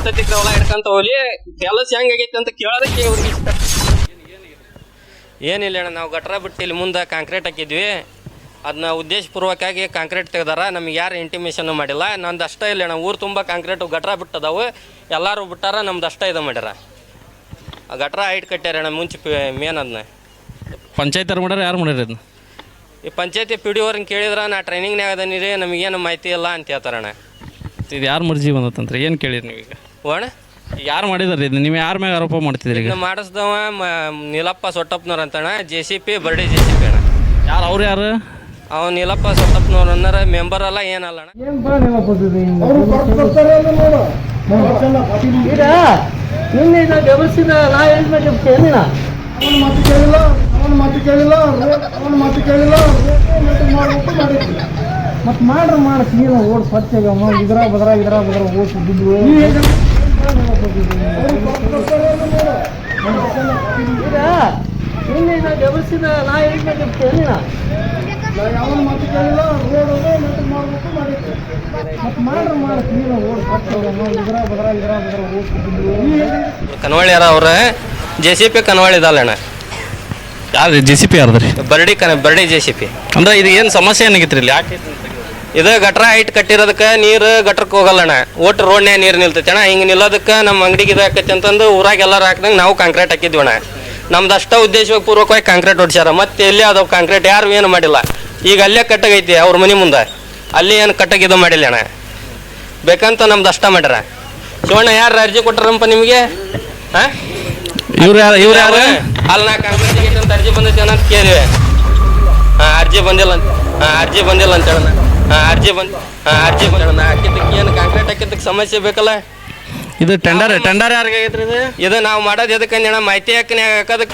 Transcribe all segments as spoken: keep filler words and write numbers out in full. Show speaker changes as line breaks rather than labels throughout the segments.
ಸತಿ ಹೊಲ ಹಿಡ್ಕಂತ ಹೋಗ್ಲಿ ಕೆಲಸ ಹೆಂಗಾಗೈತಿ ಅಂತ ಕೇಳೋದಕ್ಕೆ ಅವ್ರಿಗೆ ಇಷ್ಟ. ಏನಿಲ್ಲ ಅಣ್ಣ, ನಾವು ಗಟ್ರ ಬಿಟ್ಟು ಇಲ್ಲಿ ಮುಂದೆ ಕಾಂಕ್ರೀಟ್ ಹಾಕಿದ್ವಿ. ಅದನ್ನ ಉದ್ದೇಶಪೂರ್ವಕವಾಗಿ ಕಾಂಕ್ರೀಟ್ ತೆಗ್ದಾರ. ನಮ್ಗೆ ಯಾರು ಇಂಟಿಮೇಷನ್ ಮಾಡಿಲ್ಲ. ನಂದು ಅಷ್ಟೇ ಇಲ್ಲ ಅಣ್ಣ, ಊರು ತುಂಬ ಕಾಂಕ್ರೀಟು ಗಟ್ರ ಬಿಟ್ಟದಾವು. ಎಲ್ಲರೂ ಬಿಟ್ಟಾರ, ನಮ್ದು ಅಷ್ಟೇ ಇದು ಮಾಡ್ಯಾರ. ಆ ಗಟ್ರ ಹೈಟ್ ಕಟ್ಟ್ಯಾರ ಅಣ್ಣ ಮುಂಚೆ ಮೇನ್. ಅದನ್ನ
ಪಂಚಾಯತ್ ಯಾರು ಮಾಡ್ಯಾರ, ಯಾರು ಮಾಡ್ಯಾರ ಅದನ್ನ?
ಈ ಪಂಚಾಯತಿ ಪಿ ಡಿ ಅವ್ರನ್ನ ಕೇಳಿದ್ರೆ ನಾ ಟ್ರೈನಿಂಗ್ನಾಗ ಅದೀನಿ ರೀ, ನಮಗೇನು ಮಾಹಿತಿ ಇಲ್ಲ ಅಂತ ಹೇಳ್ತಾರಣ್ಣ.
ಇದು ಯಾರು ಮರ್ಜಿ ಬಂದತ್ತಂತ ಏನು ಕೇಳಿರಿ ನೀವೀಗ?
ಅಣ್ಣ
ಯಾರು ಮಾಡಿದಾರೆ ಇದು? ನೀವು ಯಾರ ಮ್ಯಾಗ ಆರೋಪ ಮಾಡ್ತಿದ್ರಿ ಈಗ?
ಮಾಡಿಸ್ದವ ನೀಲಪ್ಪ ಸೊಟ್ಟಪ್ಪನವ್ರು ಅಂತಣ್ಣ, ಜೆ ಸಿ ಪಿ ಬರ್ಡಿ ಜೆ ಸಿ ಪಿ ಅಣ್ಣ.
ಯಾರು ಅವ್ರು ಯಾರು?
ಅವ್ನು ನೀಲಪ್ಪ ಸೊಟ್ಟಪ್ಪನವ್ರು ಅನ್ನಾರ, ಮೆಂಬರ್ ಅಲ್ಲ ಏನಲ್ಲ ಅಣ್ಣ.
ನಿನ್ನೆ ಗಮನಿಸಿದ ನಾ ಹೇಳಿದ ಕೇಳಿಲ್ಲ, ಅವನ ಮಾತು ಕೇಳಿಲ್ಲ, ಅವನ ಮಾತು ಕೇಳಿಲ್ಲ, ಅವನ ಮಾತು ಕೇಳಿಲ್ಲ ಮಾಡ್ಬೇಕು ಮಾಡಿದ್ವಿ. ಮತ್ತೆ ಮಾಡ್ರೆ ಮಾಡ ನೀನು ಓಡ್ ಸ್ವಚ್ಛಗಮ್ಮ ಇದ್ರ ಬದ್ರ ಇದ್ರ ಬದ್ರ ಓದಿದ್ದು ನಿನ್ನೆ ನಾ ಗಮನಿಸಿದ ನಾ ಹೇಳಿದ ಕೇಳಿಲ್ಲ, ಅವನ ಮಾತು ಕೇಳಿಲ್ಲ, ರೋಡ್ ಮಾಡ್ಬೇಕು ಮಾಡಿದ್ವಿ. ಮತ್ತೆ ಮಾಡ್ರೆ ಮಾಡ ನೀನು ಓಡ್ ಸ್ವಚ್ಛಗಮ್ಮ ಇದ್ರ ಬದ್ರ ಇದ್ರ ಬದ್ರ ಓದಿದ್ದು.
ಕನ್ವಳ್ಳಿಯಾರ ಅವ್ರ ಜೆ ಸಿ ಪಿ ಕನ್ವಳ್ಳಿದಲ್ಲ ಅಣ್ಣ.
ಯಾರು ಜೆ ಸಿ ಪಿ ಯಾರ್ದ್ರಿ?
ಬರ್ಡಿ ಕನ್ ಬರ್ಡಿ ಜೆ ಸಿ ಪಿ.
ಅಂದ್ರೆ ಇದು ಏನು ಸಮಸ್ಯೆ ಏನಾಗಿತ್ತು ಇಲ್ಲಿ? ಯಾಕೆ
ಇದು ಗಟ್ರ ಹೈಟ್ ಕಟ್ಟಿರೋದಕ್ಕೆ ನೀರು ಗಟ್ರಕ್ಕೆ ಹೋಗಲ್ಲ ಅಣ್ಣ. ಒಟ್ಟು ರೋಡ್ನ್ಯಾಗ ನೀರು ನಿಲ್ತೈತೆ ಅಣ್ಣ. ಹಿಂಗೆ ನಿಲ್ಲೋದಕ್ಕೆ ನಮ್ಮ ಅಂಗಡಿಗೆ ಇದು ಹಾಕೈತೆ ಅಂತಂದು ಊರಾಗ ಎಲ್ಲರೂ ಹಾಕ್ದಂಗೆ ನಾವು ಕಾಂಕ್ರೀಟ್ ಹಾಕಿದ್ವಿ ಅಣ್ಣ. ನಮ್ದು ಅಷ್ಟ ಉದ್ದೇಶವಾಗಿ ಪೂರ್ವಕವಾಗಿ ಕಾಂಕ್ರೀಟ್ ಹೊಡ್ಸ್ಯಾರ. ಮತ್ತೆ ಎಲ್ಲಿ ಅದಾವ ಕಾಂಕ್ರೀಟ್ ಯಾರು ಏನು ಮಾಡಿಲ್ಲ. ಈಗ ಅಲ್ಲೇ ಕಟ್ಟಾಗೈತಿ ಅವ್ರ ಮನೆ ಮುಂದೆ, ಅಲ್ಲಿ ಏನು ಕಟ್ಟಾಗಿ ಇದು ಮಾಡಿಲ್ಲ ಅಣ್ಣ. ಬೇಕಂತ ನಮ್ದು ಅಷ್ಟ ಮಾಡ್ಯಾರ. ಶಿವಣ್ಣ ಯಾರು ಅರ್ಜಿ ಕೊಟ್ಟಾರಪ್ಪ ನಿಮಗೆ? ಹಾಂ
ಇವ್ರು ಯಾರು? ಇವ್ರು ಯಾರು?
ಅಲ್ಲಿ ನಾ ಕಾಂಕ್ರೀಟ್ ಅಂತ ಅರ್ಜಿ ಬಂದೈತೆ ಅಂತ ಕೇಳಿವೆ. ಹಾಂ ಅರ್ಜಿ ಬಂದಿಲ್ಲ ಅಂತ ಹಾಂ ಅರ್ಜಿ ಬಂದಿಲ್ಲ ಅಂತ ಹೇಳೋಣ. ಹಾಂ ಅರ್ಜಿ ಬಂದು ಹಾಂ ಅರ್ಜಿ ಬಂದ ಹಾಕಿದ್ದಕ್ಕೆ ಏನು ಕಾಂಕ್ರೀಟ್ ಹಾಕಿದ್ದಕ್ಕೆ ಸಮಸ್ಯೆ ಬೇಕಲ್ಲ.
ಇದು ಟೆಂಡರ್ ಟೆಂಡರ್ ಯಾರಿಗೆ ಆಗೈತ್ರಿ ಇದು?
ಇದು ನಾವು ಮಾಡೋದು ಎದಕ್ಕೆ ಅಣ್ಣ, ಮಾಹಿತಿ ಹಾಕಿ ಹಾಕೋದಕ್ಕೆ.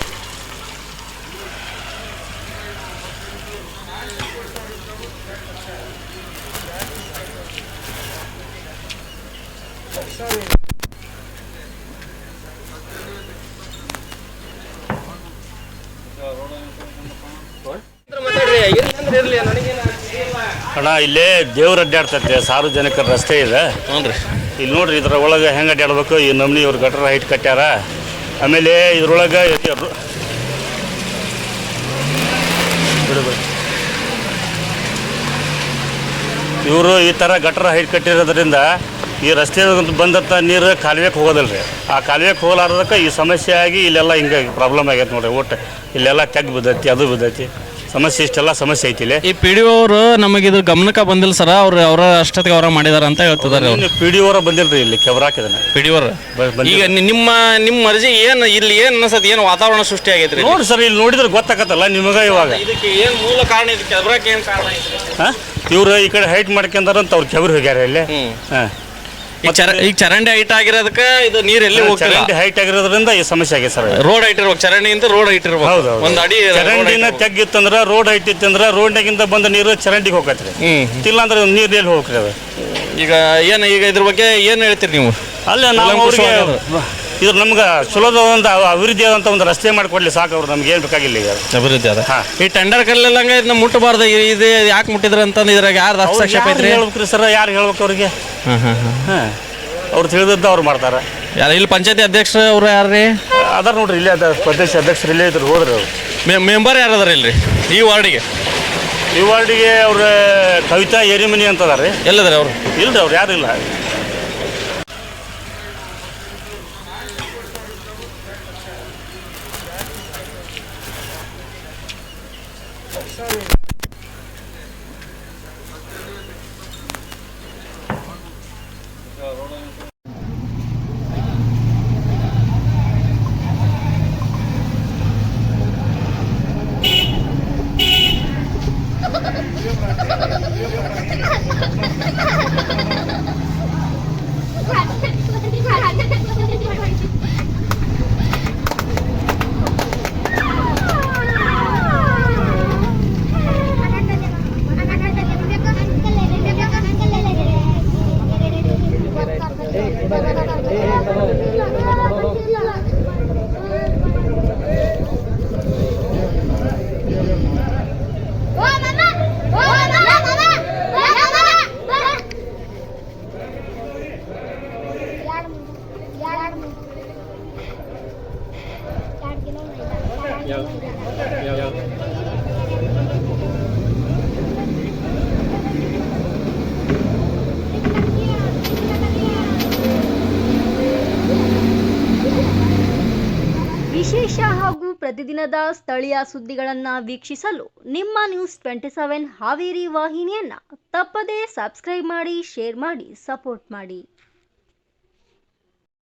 ಅಣ್ಣ ಇಲ್ಲೇ ದೇವ್ರು ಅಡ್ಡಾಡ್ತೈತೆ, ಸಾರ್ವಜನಿಕರ ರಸ್ತೆ ಇದೆ.
ಹ್ಞೂ ರೀ.
ಇಲ್ಲಿ ನೋಡ್ರಿ, ಇದ್ರ ಒಳಗೆ ಹೆಂಗೆ ಅಡ್ಡಾಡ್ಬೇಕು ಈ ನಮ್ನಿ ಇವ್ರು ಗಟ್ರ ಹೈಟ್ ಕಟ್ಟ್ಯಾರ. ಆಮೇಲೆ ಇದ್ರೊಳಗೆ ಇವರು ಈ ಥರ ಗಟ್ರ ಹೈಟ್ ಕಟ್ಟಿರೋದ್ರಿಂದ ಈ ರಸ್ತೆ ಬಂದಂಥ ನೀರು ಕಾಲುವೆಗೆ ಹೋಗೋದಿಲ್ಲ ರೀ. ಆ ಕಾಲುವೆಗೆ ಹೋಗಲಾರ್ದಕ್ಕೆ ಈ ಸಮಸ್ಯೆ ಆಗಿ ಇಲ್ಲೆಲ್ಲ ಹಿಂಗೆ ಪ್ರಾಬ್ಲಮ್ ಆಗೈತೆ ನೋಡ್ರಿ. ಒಟ್ಟು ಇಲ್ಲೆಲ್ಲ ತೆಗ್ ಬಿದ್ದೈತಿ, ಅದು ಬಿದ್ದೈತಿ, ಸಮಸ್ಯೆ ಇಷ್ಟೆಲ್ಲ ಸಮಸ್ಯೆ ಐತಿ ಇಲ್ಲಿ.
ಈ ಪಿ ಡಿ ಅವರು ನಮಗಿದು ಗಮನಕ್ಕೆ ಬಂದಿಲ್ಲ ಸರ, ಅವ್ರು ಅವರ ಅಷ್ಟೊತ್ತಿಗೆ ಅವರ ಮಾಡಿದಾರ ಅಂತ ಹೇಳ್ತಿದ್ದಾರೆ.
ಪಿ ಡಿ ಅವರ ಬಂದಿಲ್ರಿ ಇಲ್ಲಿ ಕೆಬ್ರಾಕಿದಾನೆ
ಪಿ ಡಿ ಅವರು. ಈಗ ನಿಮ್ಮ ನಿಮ್ಮ ಮರ್ಜಿ ಏನು ಇಲ್ಲಿ ಏನು ಅನ್ಸತ್ತೆ, ಏನು ವಾತಾವರಣ ಸೃಷ್ಟಿ ಆಗೈತ್ರಿ?
ನೋಡ್ರಿ ಸರ್, ಇಲ್ಲಿ ನೋಡಿದ್ರೆ ಗೊತ್ತಾಗತ್ತಲ್ಲ ನಿಮಗೆ. ಇವಾಗ
ಇದಕ್ಕೆ ಏನು ಮೂಲ ಕಾರಣ? ಇದು ಕೆಬ್ರಾಕ್ ಏನು ಕಾರಣ ಐತ್ರಿ?
ಹಾಂ ಇವ್ರು ಈ ಕಡೆ ಹೈಟ್ ಮಾಡ್ಕೊಂಡಾರಂತ ಅವ್ರು ಕೆಬ್ರು ಹೋಗ್ಯಾರ ಇಲ್ಲಿ. ಹಾಂ
ಈಗ ಚರ ಈಗ ಚರಂಡಿ ಹೈಟ್ ಆಗಿರೋದಕ್ಕೆ ಇದು ನೀರು ಎಲ್ಲಿ ಹೋಗ್ತಿಲ್ಲ.
ಚರಂಡಿ ಹೈಟ್ ಆಗಿರೋದ್ರಿಂದ ಈ ಸಮಸ್ಯೆ ಆಗಿದೆ ಸರ್.
ರೋಡ್ ಹೈಟ್ ಇರ್ಬೇಕು, ಚರಂಡಿಯಿಂದ ರೋಡ್ ಹೈಟ್ ಇರ್ಬೇಕು.
ಹೌದು,
ಒಂದು ಅಡಿ
ಚರಂಡಿನ ತೆಗ್ಗಿತ್ತಂದ್ರೆ ರೋಡ್ ಹೈಟ್ ಇತ್ತಂದ್ರೆ ರೋಡ್ನಾಗಿಂದ ಬಂದ ನೀರು ಚರಂಡಿಗೆ ಹೋಗತ್ರಿ. ಇಲ್ಲ ಅಂದ್ರೆ ನೀರು ಎಲ್ಲಿ ಹೋಗ್ರಿ ಅದು.
ಈಗ ಏನು ಈಗ ಇದ್ರ ಬಗ್ಗೆ ಏನು ಹೇಳ್ತೀರಿ ನೀವು?
ಅಲ್ಲ ನಾವು ಅವ್ರಿಗೆ ಇದು ನಮ್ಗೆ ಸುಲಭ ಒಂದು ಅಭಿವೃದ್ಧಿ ಆದಂಥ ಒಂದು ರಸ್ತೆ ಮಾಡಿಕೊಡ್ಲಿ ಸಾಕು. ಅವ್ರು ನಮ್ಗೆ ಏನು ಬೇಕಾಗಿಲ್ಲ ಈಗ
ಅಭಿವೃದ್ಧಿ ಅದ.
ಹಾಂ
ಈ ಟೆಂಡರ್ ಕಲ್ಲಂಗ ಇದನ್ನ ಮುಟ್ಟಬಾರ್ದು, ಇದು ಯಾಕೆ ಮುಟ್ಟಿದ್ರ ಅಂತಂದು ಇದ್ರಾಗ ಯಾರು ಹಸ್ತಕ್ಷೇಪ ಐತ್ರಿ?
ಹೇಳ್ಬೇಕ್ರಿ ಸರ್, ಯಾರು ಹೇಳ್ಬೇಕು ಅವ್ರಿಗೆ?
ಹಾಂ ಹಾಂ ಹಾಂ
ಹಾಂ ಅವ್ರು ತಿಳಿದದ್ದು ಅವ್ರು ಮಾಡ್ತಾರೆ.
ಯಾರು ಇಲ್ಲಿ ಪಂಚಾಯತಿ ಅಧ್ಯಕ್ಷರು ಅವ್ರು ಯಾರು ರೀ?
ಅದಾರ ನೋಡ್ರಿ, ಇಲ್ಲೇ ಅದ ಪ್ರದೇಶ ಅಧ್ಯಕ್ಷರು ಇಲ್ಲೇ ಇದ್ರು, ಹೋದ್ರಿ ಅವರು.
ಮೆಂಬರ್ ಯಾರು ಅದಾರ ಇಲ್ರಿ ಈ ವಾರ್ಡಿಗೆ?
ಈ ವಾರ್ಡಿಗೆ ಅವ್ರ ಕವಿತಾ ಏರಿಮನಿ ಅಂತ ಅದಾರ ರೀ.
ಎಲ್ಲದಾರೆ ಅವರು?
ಇಲ್ರಿ, ಅವ್ರು ಯಾರು ಇಲ್ಲ.
ವಿಶೇಷ ಹಾಗೂ ಪ್ರತಿದಿನದ ಸ್ಥಳೀಯ ಸುದ್ದಿಗಳನ್ನು ವೀಕ್ಷಿಸಲು ನಿಮ್ಮ ನ್ಯೂಸ್ ಟ್ವೆಂಟಿ ಸೆವೆನ್ ಹಾವೇರಿ ವಾಹಿನಿಯನ್ನು ತಪ್ಪದೇ ಸಬ್ಸ್ಕ್ರೈಬ್ ಮಾಡಿ, ಶೇರ್ ಮಾಡಿ, ಸಪೋರ್ಟ್ ಮಾಡಿ.